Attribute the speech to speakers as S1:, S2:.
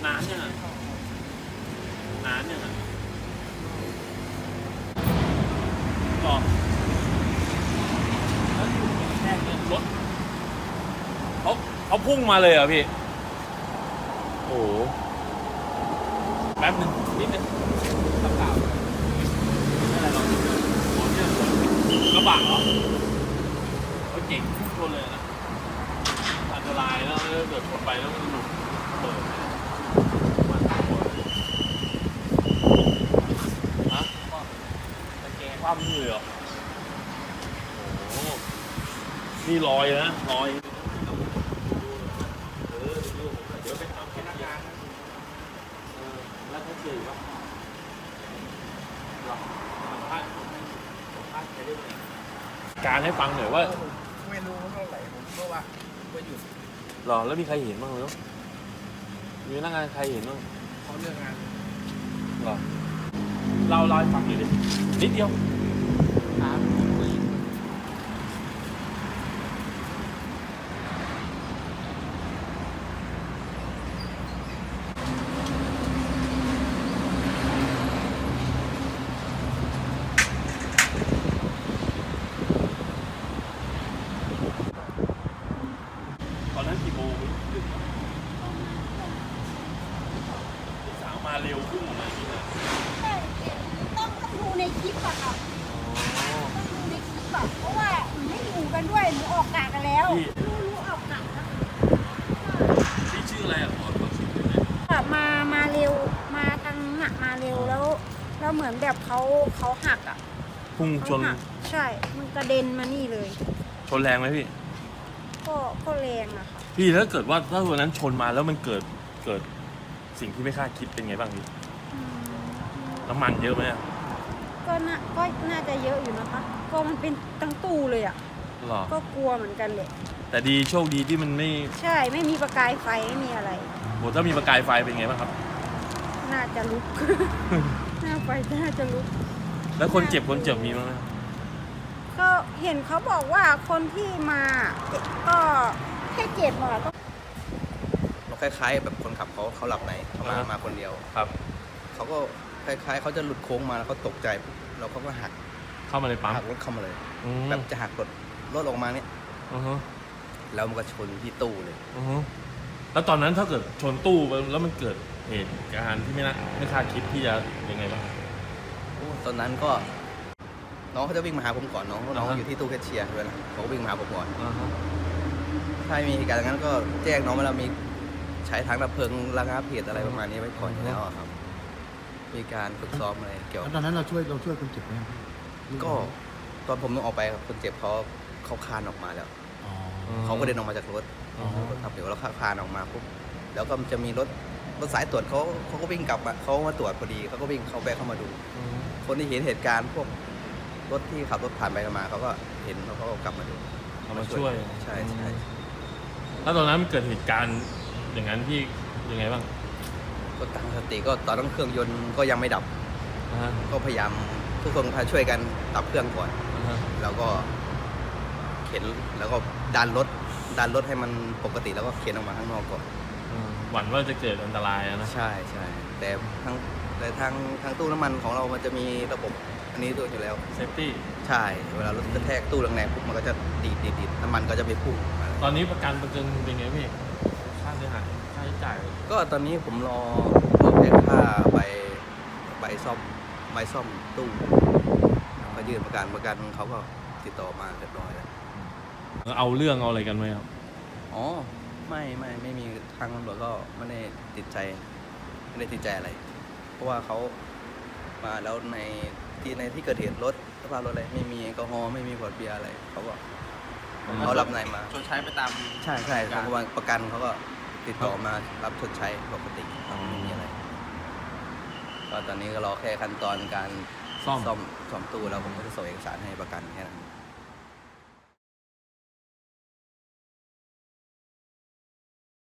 S1: นานยังนานยังต่อแล้วอยู่แค่รถเขาพุ่งมาเลยเหรอพี่โอ้โหแป๊บนึงนิดนึงกระเป๋าไม่อะไรหรอกโอ้เนี่ยกระบะเหรอเขาเก่งทุกคนเลยนะอันตรายแล้วเกิดชนไปแล้วมันหลุดเปิดมันทั้งหมดฮะตะแกรงความมือเหรอโอ้โหนี่ลอยนะลอยเดี๋ยวไปถามพนักงานแล้วเขาเจอว่าการให้ฟังหน่อยว่า
S2: ไม่รู้เท่าไหร่ผมก็ว่าหยุด
S1: หรอแล้วมีใครเห็นบ้างไหมมีพนักงานใครเห็นบ้าง
S2: เขาเรื่องงาน
S1: หรอเล่าให้ฟังหน่อยดินิดเดียวตอนนั้นกี่โมงสาวมาเร็วขึ้นอะไรอย่างนี้นะ
S3: ต้องดูในคลิปอะค่ะต้องดูในคลิปอะเพราะว่าหนูไม่อยู่กันด้วยหนูออกกะกันแล้วรู้ออกกะแล้ว
S1: พี่ชื่ออะไรอ่ะขอชื่อหน่อย
S3: มาเร็วมาทางหนักมาเร็วแล้วเหมือนแบบเขาหักอะ
S1: พุ่งชน
S3: ใช่มันกระเด็นมานี่เลย
S1: ชนแรงไหมพี่
S3: ก็แรงอะค่ะ
S1: พี่ถ้าเกิดว่าถ้าวันนั้นชนมาแล้วมันเกิดสิ่งที่ไม่คาดคิดเป็นไงบ้างพี่น้ำมันเยอะไหม
S3: ก็น่าจะเยอะอยู่นะคะก็มันเป็นตั้งตู้เลยอะ
S1: หรอ
S3: ก็กลัวเหมือนกันเลย
S1: แต่ดีโชคดีที่มันไม่
S3: ใช่ไม่มีประกายไฟไม่มีอะไร
S1: โหถ้ามีประกายไฟเป็นไงบ้างครับ
S3: น่าจะลุกน่าจะลุก
S1: แล้วคนเจ็บมีบ้างไหม
S3: ก็เห็นเขาบอกว่าคนที่มาก็แค่เจ็บมาก็
S2: คล้ายๆแบบคนขับเขาหลับในเขามาคนเดียว
S1: ครับ
S2: เขาก็คล้ายๆเขาจะหลุดโค้งมาแล้วเขาตกใจแล้วเขาก็หัก
S1: เข้ามาในปั๊ม
S2: หักรถเข้ามาเลยแบบจะหักรถออกมาเนี่ยแล้วมันก็ชนที่ตู้เลย
S1: แล้วตอนนั้นถ้าเกิดชนตู้แล้วมันเกิดเหตุการณ์ที่ไม่คาดคิดที่จะยังไงบ้าง
S2: ตอนนั้นก็น้องเขาจะวิ่งมาหาผมก่อนน้องอยู่ที่ตู้แคชเชียร์ด้วยนะเขาก็วิ่งมาหาผมก่อนถ้ามีเหตุการณ์อย่างนั้นก็แจ้งน้องว่าเรามีใช้ทางดับเพลิงระงับเหตุอะไรประมาณนี้ไว้ก่อนแล้วครับมีการฝึกซ้อมอะไรเกี่ยว
S4: ตอนนั้นเราช่วยคนเจ็บไหม
S2: ก็ตอนผมต้องออกไปคนเจ็บเขาคลานออกมาแล้วเขาก็เดินออกมาจากรถครับเดี๋ยวเราคลานออกมาปุ๊บแล้วก็จะมีรถสายตรวจเขาก็วิ่งกลับมาเขามาตรวจพอดีเขาก็วิ่งแบกเข้ามาดูคนที่เห็นเหตุการณ์พวกรถที่ขับรถผ่านไปมาเขาก็เห็นเขาก็กลับมาดู
S1: มาช่วย
S2: ใช่
S1: แล้วตอนนั้นเกิดเหตุการณ์อย่างนั้นที่ยังไงบ้าง
S2: ก็ตั้งสติก็ตอนนั้นเครื่องยนต์ก็ยังไม่ดับก็พยายามทุกคนพาช่วยกันดับเครื่องก่อนแล้วก็เข็นแล้วก็ดันรถให้มันปกติแล้วก็เข็นออกมาข้างนอกก่อน
S1: หวั่นว่าจะเกิดอันตรายนะ
S2: ใช่แต่ทางตู้น้ำมันของเรามันจะมีระบบอันนี้ตัวอยู่แล้ว
S1: เซฟตี้
S2: ใช่เวลารถกระแทกตู้แรงๆปุ๊บมันก็จะดีดน้ำมันก็จะไปพุ่ง
S1: ตอนนี้ประกันเป็นไงพี่ค่าเสียหายค่าใช้จ่าย
S2: ก็ตอนนี้ผมรอแค่ค่าใบซ่อมตู้มายื่นประกันเขาก็ติดต่อมาเรียบร้อยแล้ว
S1: เอาเรื่องเอาอะไรกันไหมครับ
S2: อ๋อไม่มีทางตำรวจก็ไม่ได้ติดใจอะไรเพราะว่าเขามาแล้วในที่เกิดเหตุรถสภาพรถอะไรไม่มีแอลกอฮอล์ไม่มีขวดเบียร์อะไรเขารับนายมา
S4: ชดใช้ไปตาม
S2: ใช่เขาประกันเขาก็ติดต่อมารับชดใช้ปกติไม่มีอะไรก็ตอนนี้ก็รอแค่ขั้นตอนการซ่อมตู้แล้วผมก็จะส่งเอกสารให้ประกันแค่นั้น